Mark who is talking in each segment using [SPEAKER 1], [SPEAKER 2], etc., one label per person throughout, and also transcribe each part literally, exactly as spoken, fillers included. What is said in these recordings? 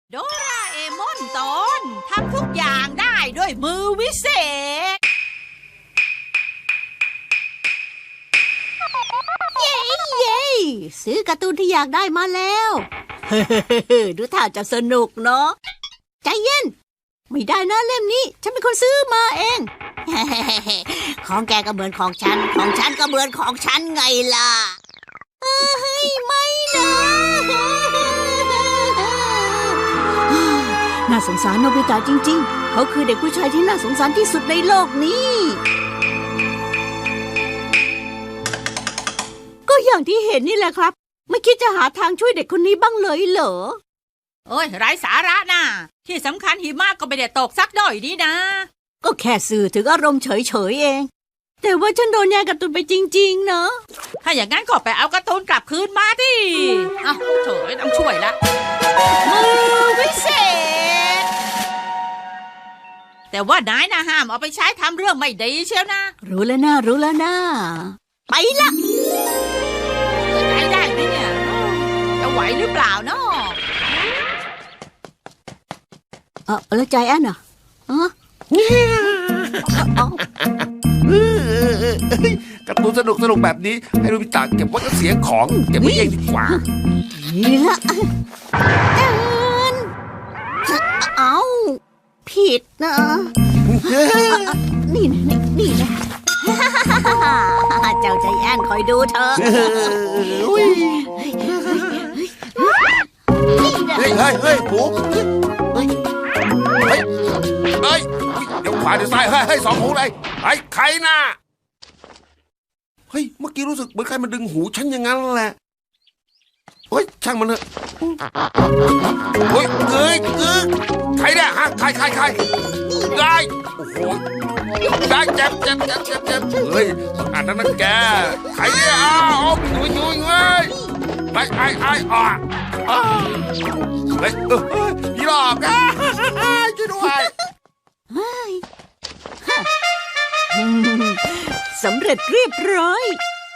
[SPEAKER 1] โดราเอมอนตอนทำทุกอย่างได้ด้วยมือวิเศษ
[SPEAKER 2] เย้เย้ซื้อการ์ตูนที่อยากได้มาแล้ว ดูท่าจะสนุกเนาะใจเย็นไม่ได้นะเล่มนี้ฉันเป็นคนซื้อมาเอง ของแกก็เหมือนของฉันของฉันก็เหมือนของฉันไงล่ะเฮ้ยไม่นะ น่าสงสารโนบิตะจริงๆเขาคือเด็กผู้ชายที่น่าสงสารที่สุดในโลกนี้ก็อย่างที่เห็นนี่แหละครับไม่คิดจะหาทางช่วยเด็กคนนี้บ้างเลยเหรอ
[SPEAKER 1] โอ้ยไร้สาระน่ะที่สำคัญหิมะก็ไม่ได้ตกสักหน่อยนี่นะ
[SPEAKER 2] ก็แค่สื่อถึงอารมณ์เฉยๆเองแต่ว่าฉันโดนแย่งการ์ตูนไปจริงๆเนอะ
[SPEAKER 1] ถ้าอย่างนั้นก็ไปเอาการ์ตูนกลับคืนมาดิอ้าวโถ่ต้องช่วยละมือวิเศษแต่ว่านายนะห้ามเอาไปใช้ทำเรื่องไม่ดีเชียวนะ
[SPEAKER 2] รู้แล้วนะรู้แล้วนะไปละ
[SPEAKER 1] ใช้ได้ไหมเนี่ยจะไหวหรือเปล่าเนาะ
[SPEAKER 2] เออแล้วใจแอนอ่ะอ๋อ
[SPEAKER 3] การ์ตูนสนุกสนุกแบบนี้ให้โนบิตะเก็บไว้ก็เสียของเก็บไว้เองดีกว่า
[SPEAKER 2] นี่ละแอนเอาผิดนะนี่นะนี่นี่นะเจ้าใจแอนคอยดูเธอ
[SPEAKER 3] เฮ้ยเฮ้ยเฮ้ยหมูเฮ้ยเฮ้ยเฮ้ยเดี๋ยวขวาเดี๋ยวซ้ายเฮ้ยเฮ้ยสองหูเลยไอ้ใครน่ะเฮ้ยเมื่อกี้รู้สึกเหมือนใครมาดึงหูฉันอย่างนั้นแหละเฮ้ยช่างมันเถอะเฮ้ยเอ้ยเอ้ยใครเนี่ยฮะใครใครใครได้โอ้โหได้เจ็บเจ็บเจ็บเจ็บเจ็บเฮ้ยอ่านนั่นนะแกใครเนี่ยอ้าวยุยยุยเฮ้ยไอ้ไอ้ไอ้อ่ะเฮ้ยเออพี่หลอกอ่ะช่วยด้วย
[SPEAKER 2] สำเร็จเรียบร้อย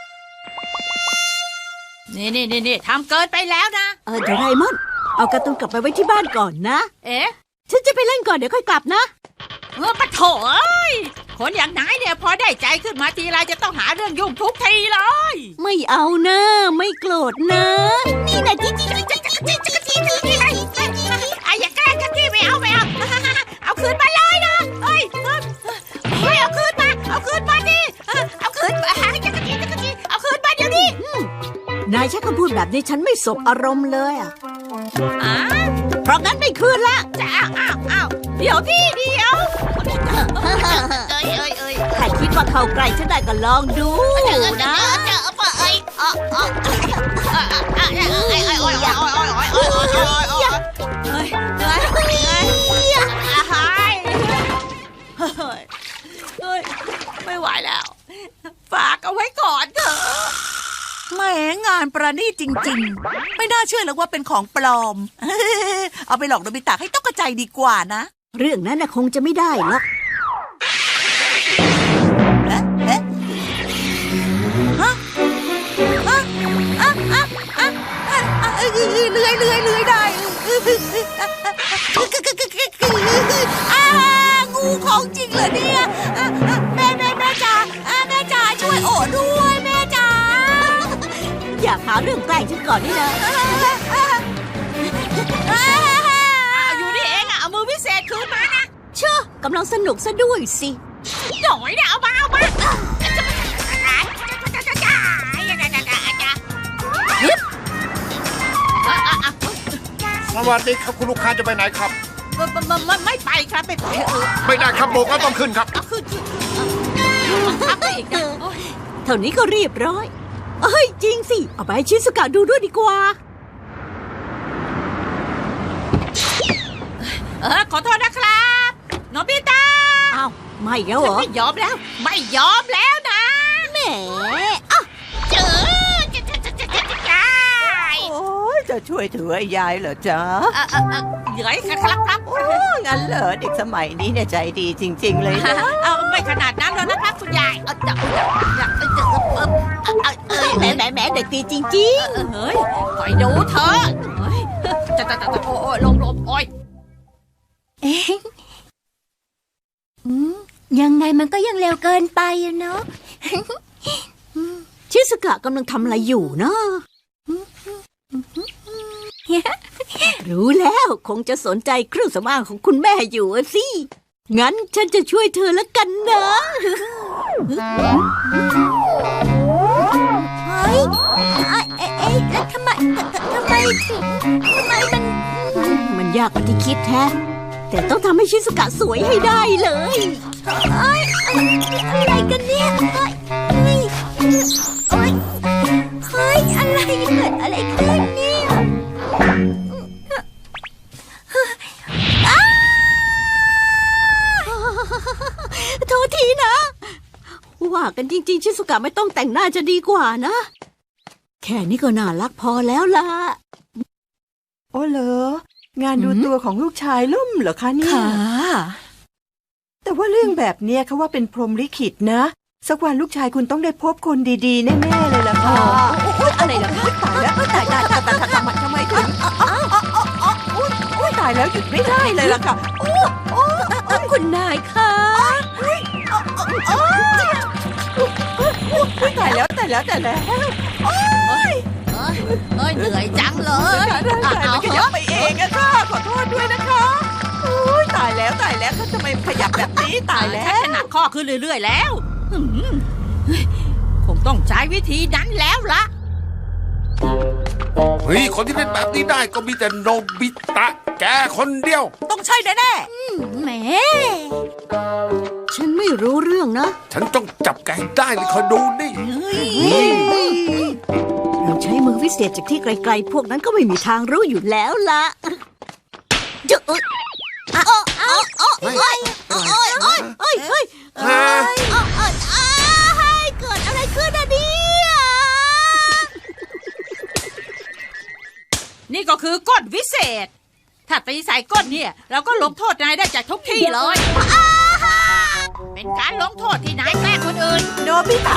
[SPEAKER 1] นี่นี่นี่นี่ทำเกินไปแล้วนะ
[SPEAKER 2] เออโดราเอมอนเอาการ์ตูนกลับไปไว้ที่บ้านก่อนนะ
[SPEAKER 1] เอ๊ะ
[SPEAKER 2] ฉันจะไปเล่นก่อนเดี๋ยวค่อยกลับนะ
[SPEAKER 1] เออปะโถเอ้ยคนอย่างนายเนี่ยพอได้ใจขึ้นมาทีไรจะต้องหาเรื่องยุ่งทุกทีเลย
[SPEAKER 2] ไม่เอานะไม่โกรธนะนี่นะจิ๊จิ๊จิ๊จิ๊จิ๊จิ๊จิ๊จิ๊
[SPEAKER 1] ไอ้อย่าแกล้งกันที่ไม่เอาไม่เอาเอาคืนมาเลยนะเฮ้ยเฮ้ยเอาคืนมาเอาคืนมาดิเอาคืนมาจักรจี้จักรจี้เอาคืนมาเดี๋ยวนี้
[SPEAKER 2] นายใช้คำพูดแบบนี้ฉันไม่สบอารมณ์เลยอ่ะ
[SPEAKER 1] อ่า
[SPEAKER 2] เพราะงั้นไม่คืนละ
[SPEAKER 1] จะอ้าวอ้าวอ้าวเดี๋ยวพี่เดี๋ยวเอ้ยเอ้ยเอ้ย
[SPEAKER 2] ถ้าคิดว่าเข้าใกล้ฉันได้ก็ลองดูนะ
[SPEAKER 1] เจอปะเอ้ยอ๋ออ๋อเอ้ยเอ้ยเอ้ยเอ้ยเอ้ยเอ้ยเอ้ยเอ้ยเอ้ยเอ้ยเอ้ยเหนื่อยเหนื่อยหายเฮ้ยเฮ้ยไม่ไหวแล้วฝากเอาไว้ก่อนเถอะ
[SPEAKER 4] แหมงานประณีตจริงๆไม่น่าเชื่อเลยว่าเป็นของปลอม เอาไปหลอกโนบิตะให้ตกใจดีกว่านะ
[SPEAKER 2] เรื่องนั้นน่ะคงจะไม่ได้หรอก
[SPEAKER 4] เอ๊ะเอ๊ะฮะฮะอ่ะอ่ะอ่ะอ่ะเลื้อยเลื้อยเลื้อยได้อ้างูของจริงเหรอเนี่ยแม่แม่แม่จ๋าแม่จ๋าช่วยโอ้ด้วยแม่จ๋า
[SPEAKER 2] อยากหาเรื่องแกล้งฉันก่อนนี่นะ
[SPEAKER 1] อยู่นี่เองอะเอามือพิเศษคืนมานะ
[SPEAKER 2] เชื่อกำลังสนุกซะด้วยสิ
[SPEAKER 1] หน่อยนะเอามาเอามา
[SPEAKER 3] สวัสดีครับคุณลูกค้าจะไปไหนครับ
[SPEAKER 1] ไม่ไม่ไปครับไม่ไป
[SPEAKER 3] ไม่ได้ครับโบกก็ต้องขึ้นครับ
[SPEAKER 1] เอาขึ้นขึ้นทับไปอีกนะ
[SPEAKER 2] เท่านี้ก็เรียบร้อยเอ้ยจริงสิเอาไปให้ชิซุกะดูด้วยดีกว่า
[SPEAKER 1] เออขอโทษนะครับโนบิตะ
[SPEAKER 2] อ้าวไม่แล้วเหรอ
[SPEAKER 1] ไม่ยอมแล้วไม่ยอมแล้วนะ
[SPEAKER 2] แหม
[SPEAKER 1] อ่ะเจอจะจะจะจะจะจะ
[SPEAKER 4] โอ้ยจะช่วยถือไอ้ยายเหรอจ๊ะ
[SPEAKER 1] เออเออเออเหนื่อยครับครับ
[SPEAKER 4] โอ้งั้นเหรอเด็กสมัยนี้เนี่ยใจดีจริงๆเลยนะ
[SPEAKER 1] เอาไม่ขนาดนั้นแล้วนะครับคุณยายเอาจับจับจับจับเออเออ
[SPEAKER 2] แหมแหมแหมเด็กดีจริงๆ
[SPEAKER 1] เฮ้ยคอยดูเถอะจะจะจะโอ้ยลมลมโอ้ย
[SPEAKER 5] เอ๊ะอืมยังไงมันก็ยังเร็วเกินไปอะเนาะ
[SPEAKER 2] ชิสกะกำลังทำอะไรอยู่นะ รู้แล้วคงจะสนใจเครื่องสำอางของคุณแม่อยู่อะสิ งั้นฉันจะช่วยเธอละกันนะ
[SPEAKER 5] เฮ้ยเอ๊ะเอ๊ะเอ๊ะแล้วทำไมทำไมถึงทำไมมัน
[SPEAKER 2] มันยากกว่าที่คิดแฮะ แต่ต้องทำให้ชิสกะสวยให้ได้เลย
[SPEAKER 5] เอ้ยอะไรกันเนี่ยเฮ้ยเฮ้ยโอ๊ยเฮ้ยอะไรเกิดอะไรขึ้นเนี่ยอ้า
[SPEAKER 2] โทษทีนะ ว่ากันจริงๆ ชิสกะไม่ต้องแต่งหน้าจะดีกว่านะ แค่นี้ก็น่ารักพอแล้วล่ะ
[SPEAKER 6] โอ้เหรองานดูตัวของลูกชายล่มเหรอคะเนี่ย
[SPEAKER 4] ค่ะ
[SPEAKER 6] แต่ว่าเรื่องแบบเนี้ยเขาว่าเป็นพรหมลิขิตนะ สักวันลูกชายคุณต้องได้พบคนดีๆ แน่ๆเลยล่ะค่ะ
[SPEAKER 4] อะไรล่ะคะ
[SPEAKER 6] ตายแล้วตายตายตายตายทำไมทำไมถึงอุ้ยตายแล้วหยุดไม่ได้เลยล่ะค่ะโอ้โอ้
[SPEAKER 4] คุณนายค่ะ
[SPEAKER 6] อุ้ยตายแล้วตายแล้วตายแล้ว
[SPEAKER 1] เอ้ยเอ้ยเหนื่อยจังเลย
[SPEAKER 6] ร่างกายมันขยับไปเองอะค่ะขอโทษด้วยนะคะอุ้ยตายแล้วตายแล้วเขาทำไมขยับแบบนี้ตายแล้
[SPEAKER 1] ชัก
[SPEAKER 6] ว
[SPEAKER 1] จะหนักข้อขึ้นเรื่อยๆแล้วหืมคงต้องใช้วิธีนั้นแล้วล่ะ
[SPEAKER 3] เฮ้ยคนที่เป็นแบบนี้ได้ก็มีแต่โนบิตะแกคนเดียว
[SPEAKER 1] ต้องใช่แน่
[SPEAKER 5] แหม
[SPEAKER 2] ฉันไม่รู้เรื่องนะ
[SPEAKER 3] ฉันต้องจับแกให้ได้เลยคอยดูนี่
[SPEAKER 2] เราใช้มือวิเศษจากที่ไกลๆ พวกนั้นก็ไม่มีทางรู้อยู่แล้วล่ะเจอเอ้ยเอาเอาเอา
[SPEAKER 3] เฮ้ย
[SPEAKER 2] เอ้ยเอ้ยเอ้ยเอ้ยเอ้ย
[SPEAKER 3] ฮะ
[SPEAKER 2] เอาเอาเอาให้เกิดอะไรขึ้นอะเนี่ย
[SPEAKER 1] ๆนี่ก็คือก้นวิเศษ ถ้าตีใส่ก้นเนี่ยเราก็ลงโทษนายได้จากทุกที่เลย เป็นการลงโทษที่นายแกล้งคนอื่น
[SPEAKER 6] โนบิตะ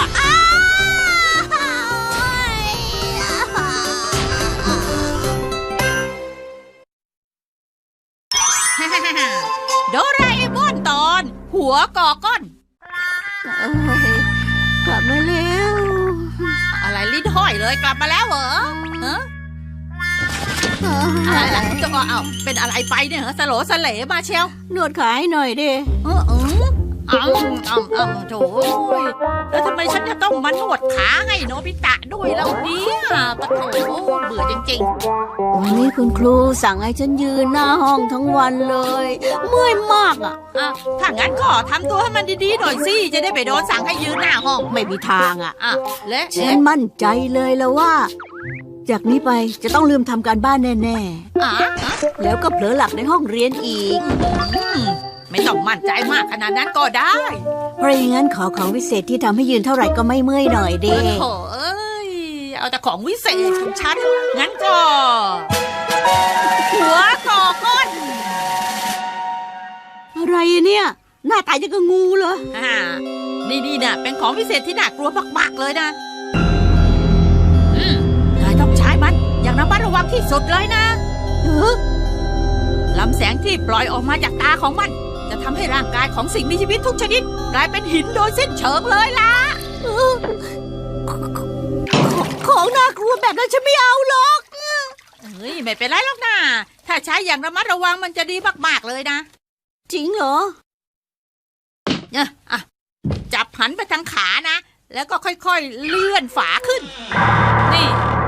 [SPEAKER 1] โดราเอมอนตอน หัวก่อก้อน
[SPEAKER 2] เอ้ยกลับมาแล้ว
[SPEAKER 1] อะไรลิ้นห้อยเลยกลับมาแล้วเหรอฮะอะไรล่ะจะก็เอาเป็นอะไรไปเนี่ยเหรอสโหลสเหลมาเชียว
[SPEAKER 2] นวดขาให้หน่อยดิ
[SPEAKER 1] เออเออเอาเอาเอาโถยแล้วทำไมฉันจะต้องมานวดขาให้โนบิตะด้วยแล้วเนี่ยปะโถเบื่อจริง
[SPEAKER 2] วันนี้คุณครูสั่งให้ฉันยืนหน้าห้องทั้งวันเลย เมื่อยมากอ่ะ
[SPEAKER 1] ๆอ่ะถ้างั้นก็ทำตัวให้มันดีๆหน่อยสิจะได้ไปโดนสั่งให้ยืนหน้าห้อง
[SPEAKER 2] ไม่มีทางอ่ะ
[SPEAKER 1] อ่ะและ
[SPEAKER 2] ฉันมั่นใจเลยแล้วว่า จากนี้ไปจะต้องลืมทำการบ้านแน่
[SPEAKER 1] อ่ะ
[SPEAKER 2] ๆ แล้วก็เผลอหลับในห้องเรียนอีก
[SPEAKER 1] อืมไม่ต้องมั่นใจมากขนาดนั้นก็ได้
[SPEAKER 2] เพราะอย่างนั้นขอของวิเศษที่ทำให้ยืนเท่าไหร่ก็ไม่เมื่อยหน่อยเด้
[SPEAKER 1] โถเอ้ยเอาแต่ของวิเศษของฉันงั้นก็ หัวก่อก้น
[SPEAKER 2] อะไรอะเนี่ย หน้าตาจะกับงูเลย
[SPEAKER 1] อ่านี่นี่น่ะเป็นของพิเศษที่น่ากลัวมากๆเลยนะอืมนายต้องใช้มันอย่างระมัดระวังที่สุดเลยนะ
[SPEAKER 2] เออ
[SPEAKER 1] ลำแสงที่ปล่อยออกมาจากตาของมัน จะทำให้ร่างกายของสิ่งมีชีวิตทุกชนิดกลายเป็นหินโดยสิ้นเชิงเลยล่ะ
[SPEAKER 2] เออของน่ากลัวแบบนั้นฉันไม่เอาหรอก
[SPEAKER 1] เฮ้ยไม่เป็นไรหรอกนะถ้าใช้อย่างระมัดระวังมันจะดีมากๆเลยนะ
[SPEAKER 2] จริงเหรอ
[SPEAKER 1] เนี่ยอ่ะจับหันไปทางขานะ แล้วก็ค่อยๆเลื่อนฝาขึ้น นี่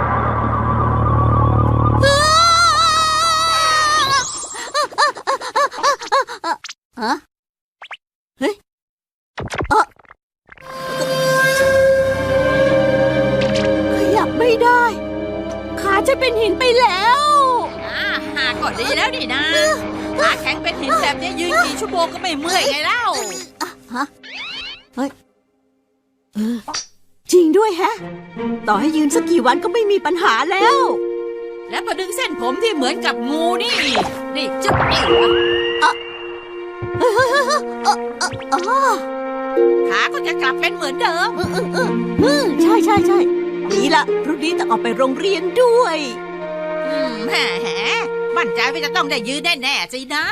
[SPEAKER 2] ฮะ เฮ้ยเออขยับไม่ได้ ขาจะเป็นหินไปแล้ว
[SPEAKER 1] อ่าหาก่อนดีแล้วนี่นะขาแข็งเป็นหินแบบนี้ยืนกี่ชั่วโมงก็ไม่เมื่อยไงเล่า
[SPEAKER 2] ฮะ เฮ้ย เออ จริงด้วยแฮะ ต่อให้ยืนสักกี่วันก็ไม่มีปัญหาแล้ว
[SPEAKER 1] แล้วพอดึงเส้นผมที่เหมือนกับงูนี่ นี่จึ๊บนี่
[SPEAKER 2] เฮ้ยเฮ้ยเฮ้ยเฮ้ยเออเออเออ
[SPEAKER 1] ขาก็จะกลับเป็นเหมือนเดิม
[SPEAKER 2] เออเออเออเออใช่ใช่ใช่ดีละพรุ่งนี้ต้องออกไปโรงเรียนด้วย
[SPEAKER 1] แหมมั่นใจว่าจะต้องได้ยืนแน่ๆสินะ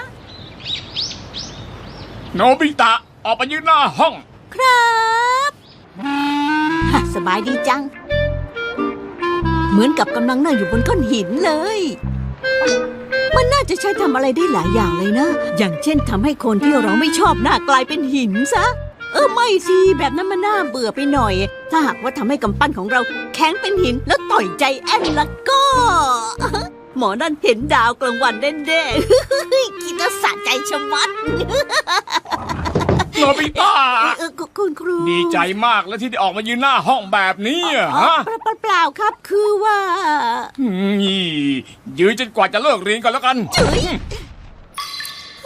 [SPEAKER 7] โนบิตะออกไปยืนหน้าห้อง
[SPEAKER 2] ครับฮะสบายดีจัง เหมือนกับกำลังนั่งอยู่บนก้อนหินเลย มันน่าจะใช้ทำอะไรได้หลายอย่างเลยนะ อย่างเช่นทำให้คนที่เราไม่ชอบหน้ากลายเป็นหินซะ เออไม่สิแบบนั้นมันน่าเบื่อไปหน่อย ถ้าหากว่าทำให้กำปั้นของเราแข็งเป็นหินแล้วต่อยใจแอนแล้วก็ หมอนั่นเห็นดาวกลางวันแน่ๆ คิดว่าสะใจชะมัด
[SPEAKER 7] โนบิตะ
[SPEAKER 2] เออคุณครู
[SPEAKER 7] ดีใจมากแล้วที่ได้ออกมายืนหน้าห้องแบบนี้อะฮะ
[SPEAKER 2] เปล่าเปล่าครับ คือว่า
[SPEAKER 7] นี่ยืนจนกว่าจะเลิกเรียนก่อนแล้วกัน
[SPEAKER 2] โอ้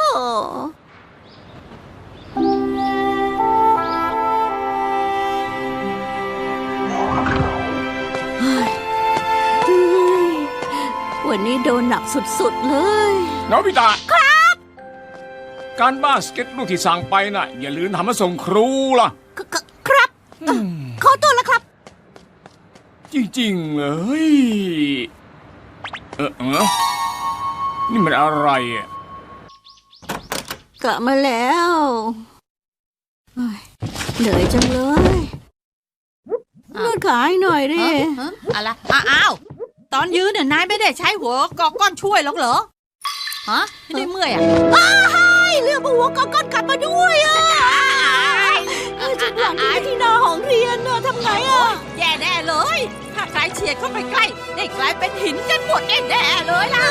[SPEAKER 2] เฮ้ยเฮ้ยวันนี้โดนหนักสุดๆเลย
[SPEAKER 7] โนบิตะครับ การบ้านสเก็ตลูกที่สั่งไปน่ะ อย่าลืมทำมาส่งครูล่ะ
[SPEAKER 2] คคครับเอ่อขอตัวแล้วครับ
[SPEAKER 7] จริงๆเลยเออเออนี่มันอะไรอ่ะ
[SPEAKER 2] กลับมาแล้วเฮ้ยเหนื่อยจังเลยนวดขาให้หน่อยดิ
[SPEAKER 1] ฮะอะไรอ้าวตอนยืนเนี่ยนายไม่ได้ใช้หัวกอกก้อนช่วยหรอกเหรอฮะไม่ได้เมื่อยอ่ะ
[SPEAKER 2] อ้ายเรื่องหัวก้อนๆกลับมาด้วยอ่ะเออจุดหลังนี้ที่หน้าห้องเรียนน่ะทำไงอ่ะ
[SPEAKER 1] แย่แน่เลย ถ้าใครเฉียดเข้าไปใกล้ได้กลายเป็นหินกันหมดแน่ๆเลยล่ะ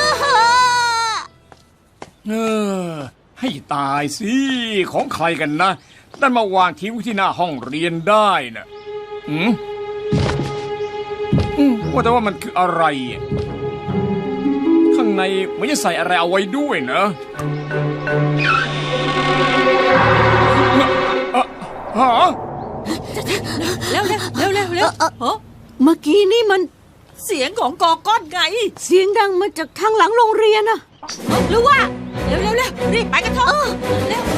[SPEAKER 7] เออ ให้ตายสิของใครกันนะนั่นมาวางทิ้งไว้ที่หน้าห้องเรียนได้น่ะอืมอืมว่าแต่ว่ามันคืออะไรอ่ะข้างในมันจะใส่อะไรเอาไว้ด้วยนะอะฮะ
[SPEAKER 1] เร็วเร็วเร็วเร็วเร็วเฮ้อ
[SPEAKER 2] เมื่อกี้นี่มัน
[SPEAKER 1] เสียงของกอก้อนไง
[SPEAKER 2] เสียงดังมาจากทางหลังโรงเรียนอะ
[SPEAKER 1] หรือว่าเร็วเร็วเร็วรีบไปกันเถอะเร็ว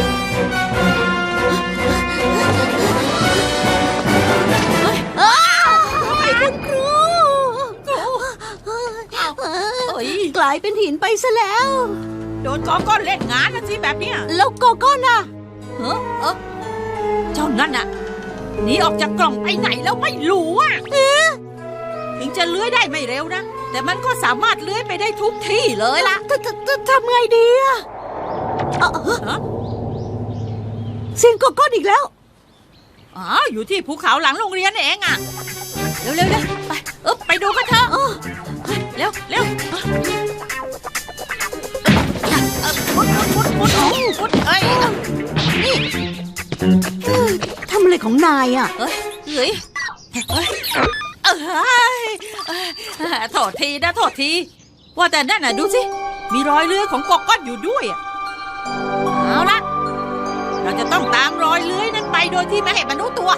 [SPEAKER 2] อ้าวไอ้คุณครู
[SPEAKER 1] เอ้ย
[SPEAKER 2] กลายเป็นหินไปซะแล้ว
[SPEAKER 1] โดนกอก้อนเล่นงานนะสิแบบเนี้ย
[SPEAKER 2] แล้วโกโก้น่ะ
[SPEAKER 1] เฮ้อเออเจ้านั่นน่ะหนีออกจากกล่องไปไหนแล้วไม่รู้อ่ะถึงจะเลื้อยได้ไม่เร็วนะแต่มันก็สามารถเลื้อยไปได้ทุกที่เลยล่ะ
[SPEAKER 2] ททททำไงดีอะเอ่อ
[SPEAKER 1] ฮะ
[SPEAKER 2] เสียงโกโก้อีกแล้ว
[SPEAKER 1] อ๋ออยู่ที่ภูเขาหลังโรงเรียนเองอ่ะเร็วเร็วเร็วไปเออไปดูกันเถอะเร็วเร็วมุดมุดมุดมุดมุดเอ้ย
[SPEAKER 2] ทำอะไรของนายอะ
[SPEAKER 1] เฮ้ยเฮ้ยเฮ้ยเอ้ยโทษทีนะโทษทีว่าแต่นั่นน่ะดูสิมีรอยเลื้อยของกอกก้อนอยู่ด้วยอ่ะเอาละเราจะต้องตามรอยเลื้อยนั้นไปโดยที่ไม่ให้มันรู้ตัว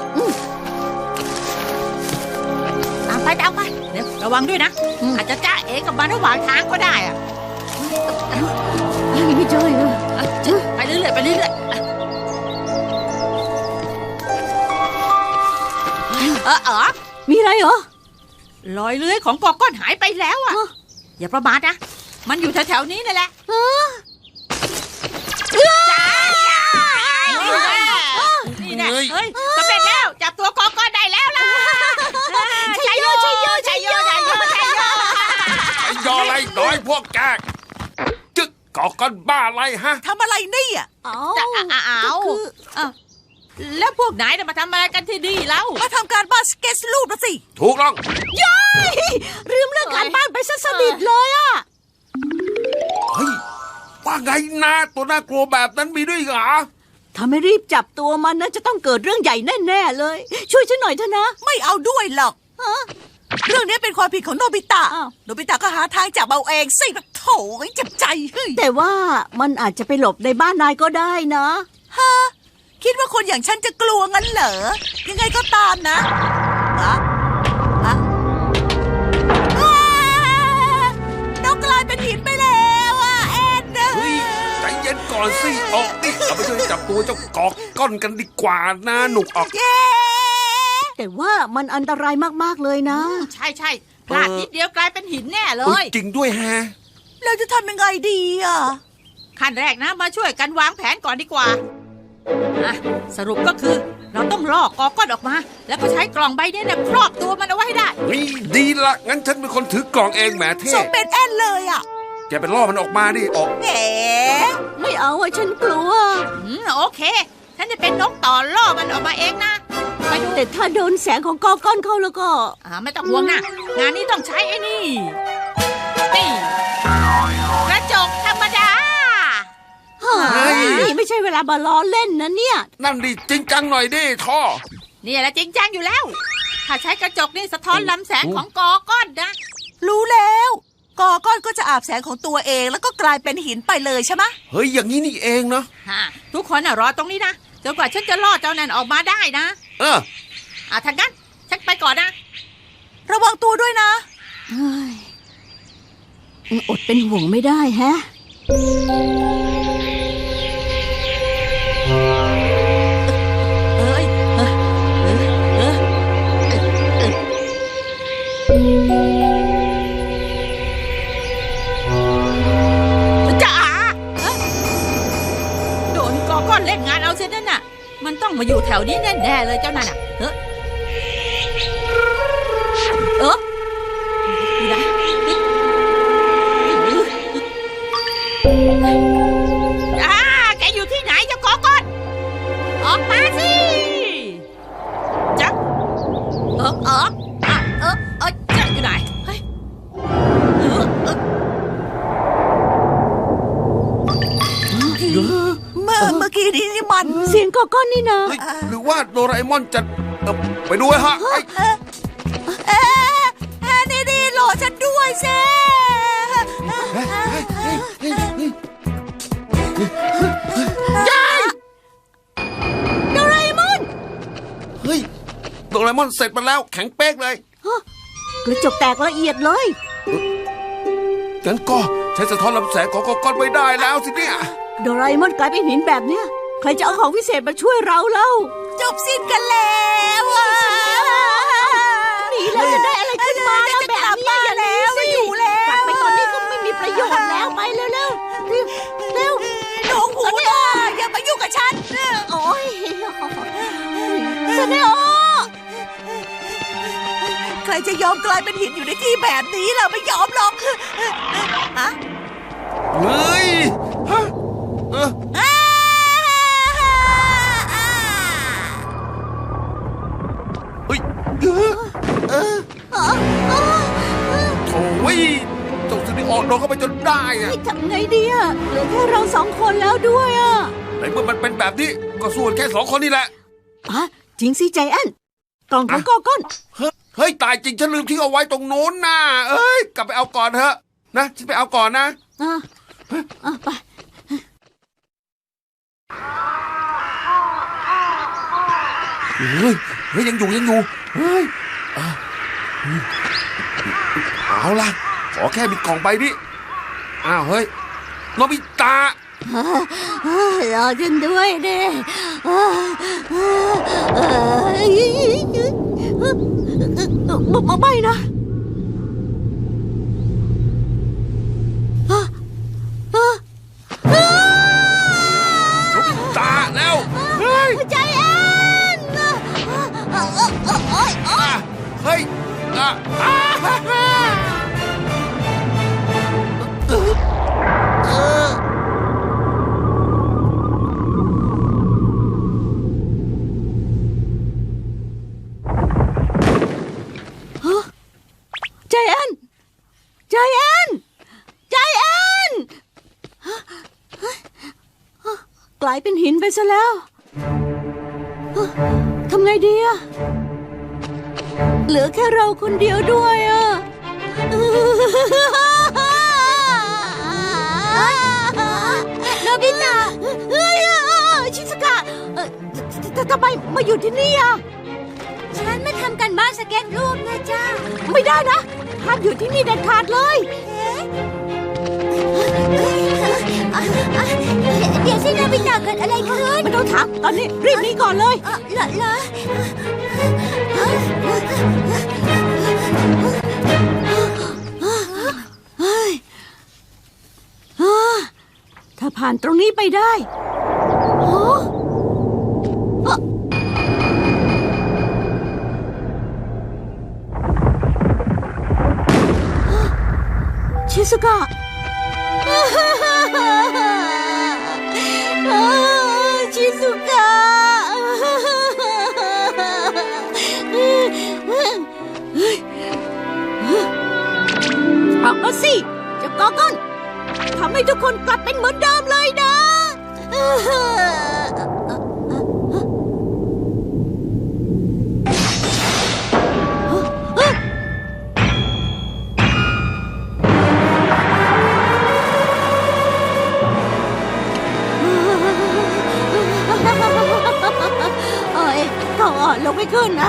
[SPEAKER 1] ตามไปตามไปเดี๋ยวระวังด้วยนะอาจจะจ้าเอ๋กับมันระหว่างทางก็ได้อ่ะ
[SPEAKER 2] ยังไม่เจอเลย
[SPEAKER 1] ไปเรื่อยๆไปเรื่อยๆเออเออ
[SPEAKER 2] มีอะไรเหรอ
[SPEAKER 1] รอยเลื้อยของกอกก้อนหายไปแล้วอ่ะอย่าประมาทนะมันอยู่แถวๆนี้นั่นแหละจ้านี่นะเฮ้ยสำเร็จแล้วจับตัวกอกก้อนได้แล้วล่ะชัยโยชัยโยชัยโยชัยโยชัยโย
[SPEAKER 3] ไอ้ยออะไรน้อยพวกแกจึกก่อกันบ้าอะไรฮะ
[SPEAKER 1] ทำอะไรนี่อ่ะ
[SPEAKER 2] อ๋อ
[SPEAKER 1] จะอ้าวแล้วพวกไหนจะมาทำอะไรกันที่นี่แล้วมาทำการบ้านสเก็ตรูปนะสิ
[SPEAKER 3] ถูกต้อง
[SPEAKER 2] ลืมเรื่องการบ้านไปซะสนิทเลยอะ
[SPEAKER 3] เฮ้ยว่าไงนะตัวน่ากลัวแบบนั้นมีด้วยเหรอ
[SPEAKER 2] ถ้าไม่รีบจับตัวมันนะจะต้องเกิดเรื่องใหญ่แน่ๆเลย ช่วยฉันหน่อยเถอะนะ
[SPEAKER 4] ไม่เอาด้วยหรอกเรื่องนี้เป็นความผิดของโนบิตะ
[SPEAKER 2] อ้าว
[SPEAKER 4] โนบิตะก็หาทางจับเอาเองสิแบบโถยเจ็บใจเฮ้ย
[SPEAKER 2] แต่ว่ามันอาจจะไปหลบในบ้านนายก็ได้นะ
[SPEAKER 4] ฮะคิดว่าคนอย่างฉันจะกลัวงั้นเหรอ ยังไงก็ตามนะอะอะอ้านกกลายเป็นหินไปแล้วอ่ะแอนเนอ
[SPEAKER 3] เฮ้ยใจเย็นก่อนสิออกดิเอาไปช่วยจับตัวเจ้ากอกก้อนกันดีกว่านะหนุกออก
[SPEAKER 4] เย้
[SPEAKER 2] แต่ว่ามันอันตรายมากๆเลยนะ
[SPEAKER 1] ใช่ใช่พพลาดนิดเดียวกลายเป็นหินแน่เล
[SPEAKER 3] อุ๊
[SPEAKER 1] ย
[SPEAKER 3] จริงด้วยฮะ
[SPEAKER 4] เราจะทำยังไงดีอ่ะ
[SPEAKER 1] ขั้นแรกนะมาช่วยกันวางแผนก่อนดีกว่าอ่ะสรุปก็คือเราต้องลอกกอก้อนออกมา แล้วก็ใช้กล่องใบนี้เนี่ยครอบตัวมันเอาไว้ให้ได้
[SPEAKER 3] เฮ้ยดีละงั้นฉันเป็นคนถือกล่องเองแหมเท่
[SPEAKER 4] สมเป็นแอนเลยอ่ะ
[SPEAKER 3] แกเป็นล่อมันออกมาดิออก
[SPEAKER 4] แหม
[SPEAKER 2] ไม่เอาอะฉันกลัว
[SPEAKER 1] อืมโอเค ฉันจะเป็นนกต่อล่อมันออกมาเองนะไปดู
[SPEAKER 2] แต่ถ้าโดนแสงของกอก้อนเข้าแล้วก็
[SPEAKER 1] อ่าไม่ต้องห่วงนะงานนี้ต้องใช้ไอ้นี่นี่กระจกธรรมดา
[SPEAKER 2] เฮ้ยนี่ไม่ใช่เวลามาล้อเล่นนะเนี่ย
[SPEAKER 3] นั่นดิจริงจังหน่อยดิท่อ
[SPEAKER 1] นี่แหละจริงจังอยู่แล้ว ถ้าใช้กระจกนี่สะท้อนลำแสงของกอก้อนนะ
[SPEAKER 4] รู้แล้วกอก้อนก็จะอาบแสงของตัวเองแล้วก็กลายเป็นหินไปเลยใช่ไหม
[SPEAKER 3] เฮ้ยอย่างนี้นี่เองเนาะ
[SPEAKER 1] ฮะทุกคนน่ะรอตรงนี้นะจนกว่าฉันจะล่อเจ้านั่นออกมาได้นะ
[SPEAKER 3] เออ
[SPEAKER 1] อ่ะทางนั้นฉันไปก่อนนะ
[SPEAKER 4] ระวังตัวด้วยนะ
[SPEAKER 2] เฮ้ยอดเป็นห่วงไม่ได้แฮะ
[SPEAKER 1] เอ้ยเอ้ยเอ้ยเอ้ยเอ้ยจ๋าฮะโดนกอก้อนเล่นงานเอาเสียนั่นน่ะ มันต้องมาอยู่แถวนี้แน่ๆเลยเจ้านั่นน่ะเฮ้ยเอออยู่ไหนอ่าแกอยู่ที่ไหนเจ้ากอก้อน ออกมาสิจ๊ะเออเอออ่ะเออเออจ๊ะอยู่ไหนเฮ้ยเออเออ
[SPEAKER 4] เมื่อเมื่อกี้นี้นี่มัน
[SPEAKER 2] เสียงกอก้อนนี่นะ
[SPEAKER 3] เฮ้ยหรือว่าโดราเอมอนจะเอ่อไปดูฮะเฮ้ย
[SPEAKER 4] เอ๊ะเอ๊ะเอ๊ะนี่นี่รอฉันด้วยเซ่
[SPEAKER 2] โดราเอมอน
[SPEAKER 3] เฮ้ยโดราเอมอนเสร็จมาแล้วแข็งเป๊กเลย
[SPEAKER 2] กระจกแตกละเอียดเลย
[SPEAKER 3] งั้นก็ใช้สะท้อนลำแสงของกอก้อนไม่ได้แล้วสิเนี่ย
[SPEAKER 2] โดราเอมอนกลายเป็นหินแบบเนี้ย ใครจะเอาของวิเศษมาช่วยเราเล่า
[SPEAKER 4] จบสิ้นกันแล้วอ่ะ
[SPEAKER 2] หนีแล้วจะได้อะไรขึ้นมาแล้ว
[SPEAKER 4] จะ
[SPEAKER 2] แบบ
[SPEAKER 4] กลับ
[SPEAKER 2] เนี้ย
[SPEAKER 4] บ้าน
[SPEAKER 2] อย่าหนี
[SPEAKER 4] แล้ว
[SPEAKER 2] สิ
[SPEAKER 4] อยู่แล้ว
[SPEAKER 2] กลับไปตอนนี้ก็ไม่มีประโยชน์แล้วไปเร็วเร็วเร็วเร็ว
[SPEAKER 4] หนูหูตาอย่ามายุ่งกับฉัน
[SPEAKER 2] โอ้ยซาเนโอ
[SPEAKER 4] ใครจะยอมกลายเป็นหินอยู่ในที่แบบนี้ล่ะไม่ยอมหรอกฮะ
[SPEAKER 3] เฮ้ยฮะเออ
[SPEAKER 4] อ้า
[SPEAKER 3] เฮ้ยเออเออโถ่ยเจ้าสิริออกโดนเข้าไปจนได้อะ
[SPEAKER 2] ทำไงดีอะเหลือแค่เราสองคนแล้วด้วยอะ
[SPEAKER 3] ในเมื่อมันเป็นแบบนี้ก็สู้กันแค่สองคนนี่แหละ
[SPEAKER 2] อ่ะจริงสิใจแอนกล่องของกอก้อน
[SPEAKER 3] เฮ้ยเฮ้ยตายจริงฉันลืมทิ้งเอาไว้ตรงโน้นน่ะเอ้ยกลับไปเอาก่อนเถอะนะฉันไปเอาก่อนนะ
[SPEAKER 2] อ่ะอ่ะไป
[SPEAKER 3] เฮ้ยเฮ้ยยังอยู่ยังอยู่เฮ้ยอ่ะเอาล่ะขอแค่มีกล่องใบนี้อ้าวเฮ้ยโนบิตะ
[SPEAKER 2] รอฉันด้วยเด้มาไม่นะ
[SPEAKER 3] โนบิตะแล้วเฮ้ย
[SPEAKER 2] ใจแอน
[SPEAKER 3] อ่ะเฮ้ยอ่ะอ่ะเออ
[SPEAKER 2] ใจแอนใจแอนใจแอนกลายเป็นหินไปซะแล้วทำไงดีอะเหลือแค่เราคนเดียวด้วยอะโนบิตะเฮ้ยชิสกะเอ่อทำไมมาอยู่ที่นี่อะ
[SPEAKER 5] ฉันมาทำกันบ้านสเก็ตรูปนะจ้า
[SPEAKER 2] ไม่ได้นะห้ามอยู่ที่นี่เด็ดขาดเลย
[SPEAKER 5] เดี๋ยวสิโนบิตะเกิดอะไรขึ้น
[SPEAKER 2] ไม่ต้องถามตอนนี้รีบหนีก่อนเลย
[SPEAKER 5] เออเหรอเหรอ
[SPEAKER 2] ผ่านตรงนี้ไปได้โอ้เอ่อชิซุกะชิซุกะออกมาสิเจ้ากอก้อนทำให้ทุกคนกลับเป็นเหมือนเดิมเลยนะเอ้ยก็อ่อนลงไม่ขึ้นนะ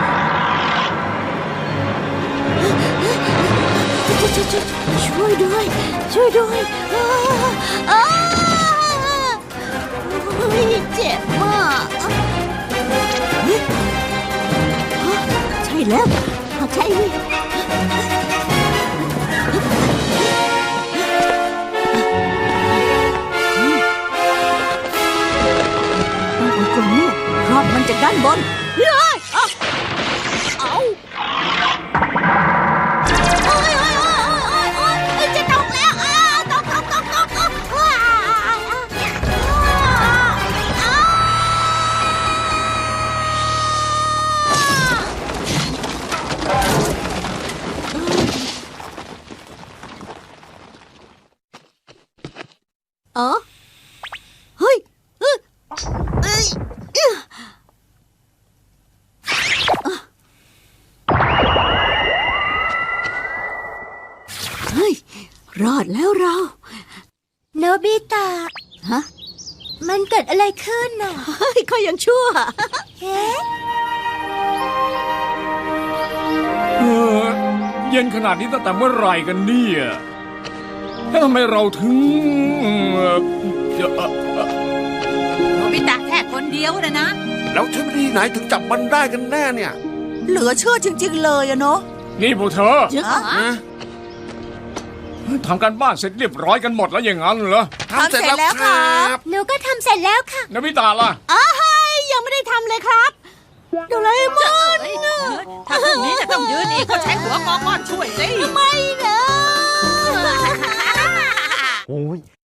[SPEAKER 2] ช่วยด้วยช่วยด้วยอ้าอ้าเฮ้ยเจ็บมากเฮ้ยใช่แล้วใช่เลยต้องเอากล่องนี้ครอบมันจากด้านบนเฮ้ยเอาเอาโอ้ยโอ้ยโอ้ยโอ้ยโอ้ยโอ้ยจะตกแล้วอ้าวตกตกตกตกตกอ้าวอ้าวอ้าวอ๋อเฮ้ยเอ้ยเอ้ยเอ้ยเฮ้ยรอดแล้วเรา
[SPEAKER 5] โนบิตะ
[SPEAKER 2] ฮะ
[SPEAKER 5] มันเกิดอะไรขึ้นน่ะ
[SPEAKER 2] เฮ้ยเขายังชั่ว
[SPEAKER 5] เอ๊ะ
[SPEAKER 7] เออเย็นขนาดนี้ตั้งแต่เมื่อไหร่กันเนี่ยแล้วทำไมเราถึงเอ่อจะเอ่อเอ่อ
[SPEAKER 4] โนบิตะแค่คนเดียวนะนะ
[SPEAKER 3] แล้วใช้วิธีไหนถึงจับมันได้กันแน่เนี่ย
[SPEAKER 4] เหลือเชื่อจริงๆเลยอะเนาะ
[SPEAKER 7] นี่พวกเธอ
[SPEAKER 2] เยอะ
[SPEAKER 3] ฮะ
[SPEAKER 7] ทำการบ้านเสร็จเรียบร้อยกันหมดแล้วอย่างนั้นเหรอ
[SPEAKER 3] ทำเสร็จแล้วครับ
[SPEAKER 5] หนูก็ทำเสร็จแล้วค่ะ
[SPEAKER 7] นบิตาล่ะ
[SPEAKER 2] อ้ายยังไม่ได้ทำเลยครับโดราเอมอน
[SPEAKER 4] ถ้าพรุ่งนี้จะต้องยืนอีกก็ใช้หัวกอก้อนช่วยสิ
[SPEAKER 2] ไม่นะ
[SPEAKER 8] โอ้ย